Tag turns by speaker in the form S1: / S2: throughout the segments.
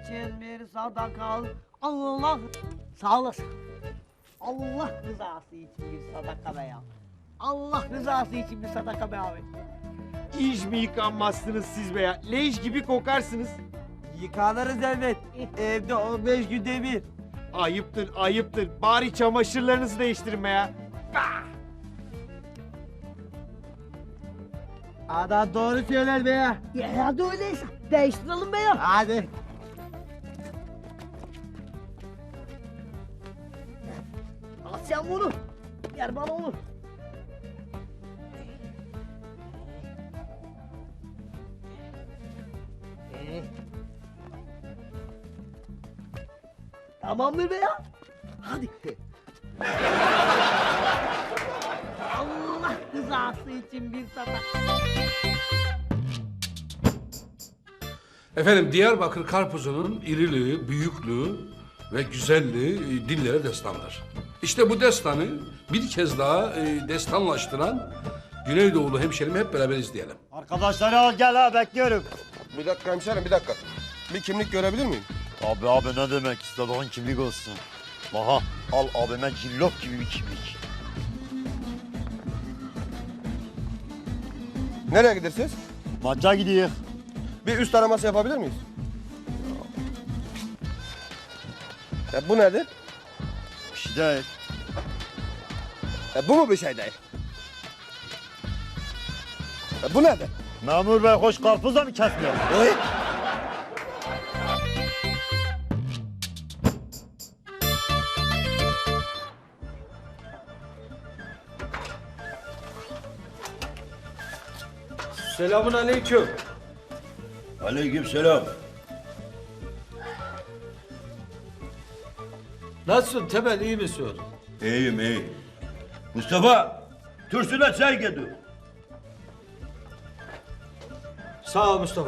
S1: için bir sadaka. Allah sağ olasın. Allah rızası için bir sadaka be ya. Allah rızası için bir sadaka be abi.
S2: İş mi yıkanmazsınız siz be ya? Leş gibi kokarsınız.
S3: Yıkanırız elbet. Evde 15 günde bir.
S2: Ayıptır, ayıptır. Bari çamaşırlarınızı değiştirin be ya.
S3: Adam doğru söyler be ya.
S1: Ya hadi öyleyse değiştirelim be ya.
S3: Hadi.
S1: Al sen bunu. Ver bana onu. Tamamdır be ya. Hadi. Allah rızası için bir sadaka.
S4: Efendim Diyarbakır karpuzunun iriliği, büyüklüğü ve güzelliği dillere destandır. İşte bu destanı bir kez daha destanlaştıran Güneydoğulu hemşerimi hep beraber izleyelim.
S3: Arkadaşları al gel ha bekliyorum.
S5: Bir dakika hemşerim, bir dakika. Bir kimlik görebilir miyim?
S6: Abi ne demek istediğin kimlik olsun. Aha al abime cillop gibi bir kimlik.
S5: Nereye gidersiniz?
S6: Maça gidiyor.
S5: Bir üst araması yapabilir miyiz? Bu nedir?
S6: Bir şey değil.
S5: Bu mu bir şey değil? Bu nedir?
S6: Memur bey hoş karpuz da mı kesmiyor?
S5: Oy!
S2: Selamun aleyküm.
S6: Aleykümselam.
S7: Nasılsın Temel, iyi misin?
S6: İyiyim iyi. Mustafa, Tursun'a çay getir.
S7: Sağ ol Mustafa.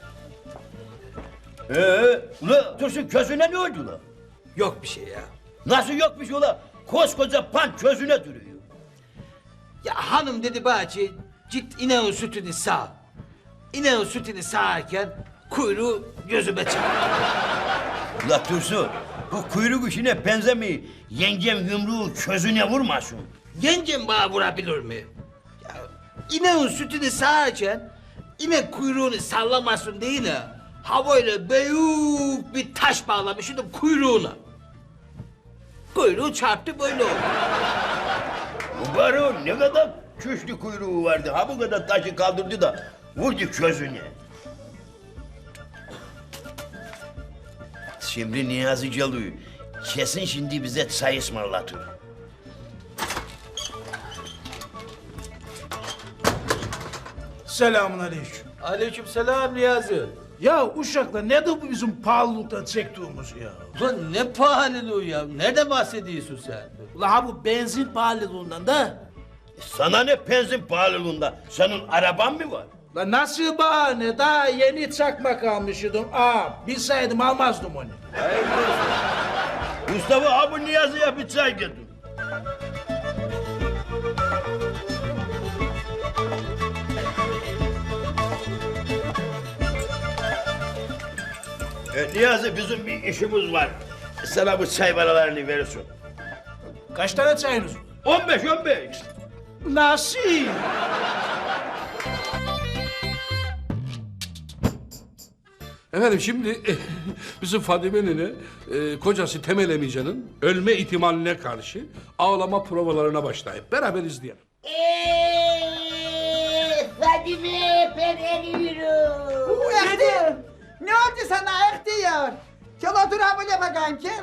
S8: Ula Tursun közüne ne oldu la?
S7: Yok bir şey ya.
S8: Nasıl yokmuş ula? Koskoca pan közüne duruyor.
S7: Ya hanım dedi bahçe, git ineğin sütünü sağ. İneğin sütünü sağarken kuyruğu gözüme çarptı.
S8: Ula Tursun, bu kuyruk işine benzemiyor. Yengem yumruğu közüne vurmasın.
S7: Yengem bana vurabilir mi? Ya ineğin sütünü sağarken inek kuyruğunu sallamasın değil mi? Havayla büyük bir taş bağlamıştım kuyruğuna. Kuyruğu çarptı böyle oldu.
S8: Bu baron ne kadar güçlü kuyruğu vardı. Ha bu kadar taşı kaldırdı da vurdu közüne. Şimdi Niyazi geliyor. Kesin şimdi bize çay ısmarlatır.
S9: Selamun aleyküm.
S7: Aleykümselam Niyazi.
S9: Ya uşaklar nedir bu bizim pahalılıktan çektiğimiz ya?
S7: Ulan ne pahalılığı ya? Nerede bahsediyorsun sen?
S9: Ula ha bu benzin pahalılığından da.
S8: Sana ne benzin pahalılığında? Senin araban mı var?
S9: La nasıl bahane? Daha yeni çakmak almışydım. Bilseydim almazdım onu.
S8: Mustafa abi Niyazi'ye bir çay getir. Niyazi bizim bir işimiz var. Sana bu çay paralarını verirsin.
S9: Kaç tane çayınız var?
S8: 15.
S9: Nasıl?
S4: Efendim şimdi bizim Fadime nene kocası Temel Emice'nin ölme ihtimaline karşı ağlama provalarına başlayıp beraber izleyelim.
S1: Fadime ben eriyorum.
S10: Ehtiyar. Ne oldu sana Ehtiyar? Gel otur ha böyle bakayım gel.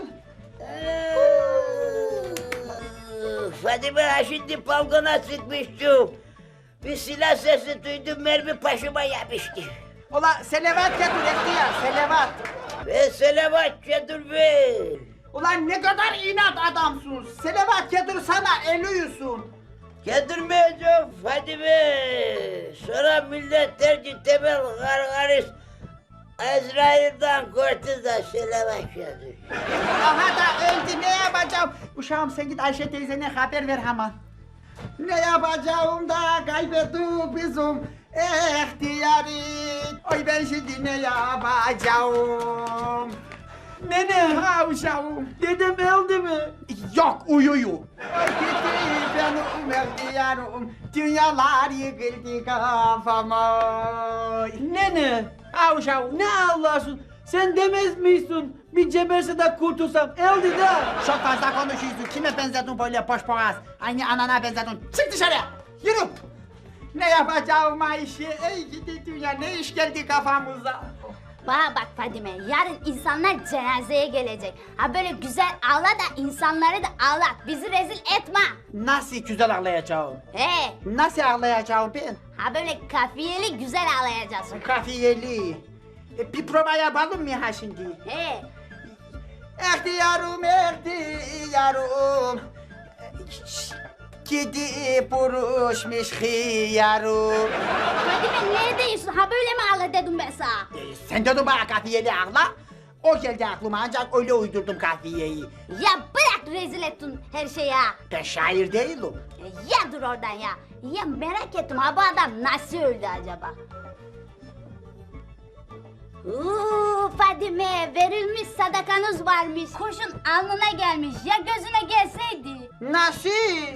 S1: Fadime şimdi balkona sıkmıştım. Bir silah sesi duydum, mermi başıma yapıştı.
S10: Ula selavat getir Ehtiyar selavat.
S1: Ve selamat getir be.
S10: Ulan ne kadar inat adamsın. Selavat getir sana ölüyorsun.
S1: Getirmeyeceğim Fadime. Sonra millet der ki Temel Gargaris Azrail'den korktu da selamat getir.
S10: Aha da öldü ne yapacağım? Uşağım sen git Ayşe teyzene haber ver hemen. Ne yapacağım da kaybettik bizim ihtiyarı. Oy ben şimdi ne yapacağım? Nene. Ha uşağım.
S3: Dedem öldü mü?
S10: Yok uyuyor. Gitti benim ihtiyarım. Dünyalar yıkıldı kafama.
S3: Nene.
S10: Ha uşağım.
S3: Ne ağlarsın? Sen demez misin? Bir ceberse de kurtulsam. Öldü de.
S10: Çok fazla konuşuyorsun. Kime benzedin böyle boş boğaz? Aynı anana benzedin. Çık dışarı. Yürü. Ne yapacağım Ayşe? Ey gidi dünya ne iş geldi kafamıza?
S11: Bana bak Fadime, yarın insanlar cenazeye gelecek. Ha böyle güzel ağla da insanları da ağlat, bizi rezil etme.
S10: Nasıl güzel ağlayacağım?
S11: He,
S10: Nasıl ağlayacağım ben?
S11: ha böyle kafiyeli güzel ağlayacaksın.
S10: Kafiyeli. Bir prova yapalım mı ha şimdi?
S11: He,
S10: İhtiyarım, ihtiyarım. Gidi buruşmuş hıyarım.
S11: Fadime neredeyiz? Ha böyle mi ağla dedim ben sana?
S10: Sen dedin bana kafiyeli ağla. O geldi aklıma ancak öyle uydurdum kafiyeyi.
S11: Ya bırak rezil ettin her şeyi ha.
S10: Ben şair değilim.
S11: Ya dur oradan ya. Ya merak ettim ha bu adam nasıl öldü acaba? Fadime verilmiş sadakanız varmış. Kurşun alnına gelmiş. Ya gözüne gelseydi?
S10: Nasıl?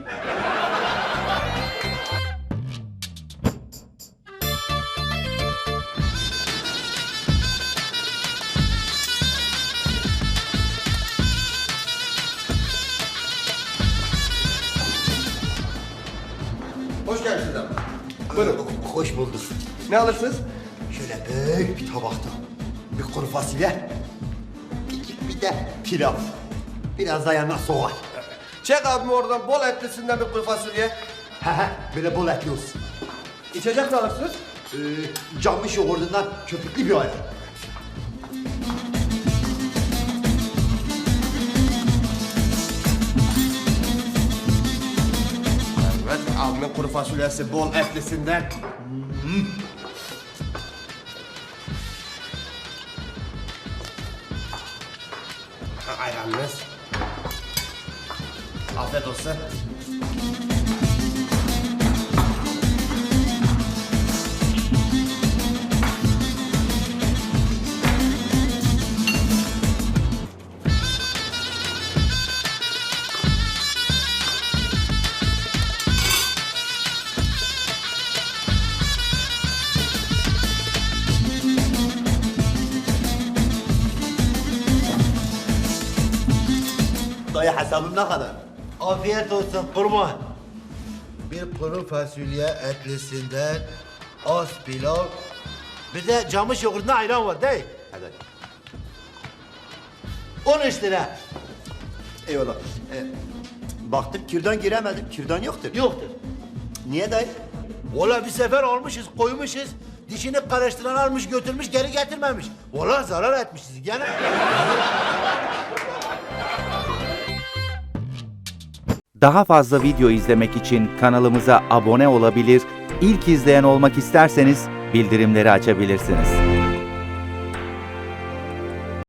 S5: Hoş geldiniz adam. Buyurun.
S6: Hoş bulduk.
S5: Ne alırsınız?
S6: Şöyle büyük bir tabakta bir kuru fasulye, bir de pilav. Biraz da yanına soğan.
S5: Çek abim oradan bol etlisinden bir kuru fasulye.
S6: He he, böyle bol etli olsun.
S5: İçecek ne alırsınız?
S6: Camış yoğurdundan köpüklü bir ayran.
S5: Evet, abimin kuru fasulyesi bol etlisinden. Ayranınız. Afiyet olsun.
S6: Dayı hesabım ne kadar?
S8: Afiyet olsun kurban. Bir kuru fasulye etlisinden az pilav. Bir de camış yoğurdunda ayran var değil.
S6: Hadi.
S8: 13 lira.
S6: Eyvallah. Baktım kürdan giremedim. Kürdan yoktur.
S8: Yoktur.
S6: Niye dayı?
S8: Valla bir sefer almışız, koymuşuz. Dişini karıştıran almış götürmüş geri getirmemiş. Valla zarar etmişiz gene.
S12: Daha fazla video izlemek için kanalımıza abone olabilir, ilk izleyen olmak isterseniz bildirimleri açabilirsiniz.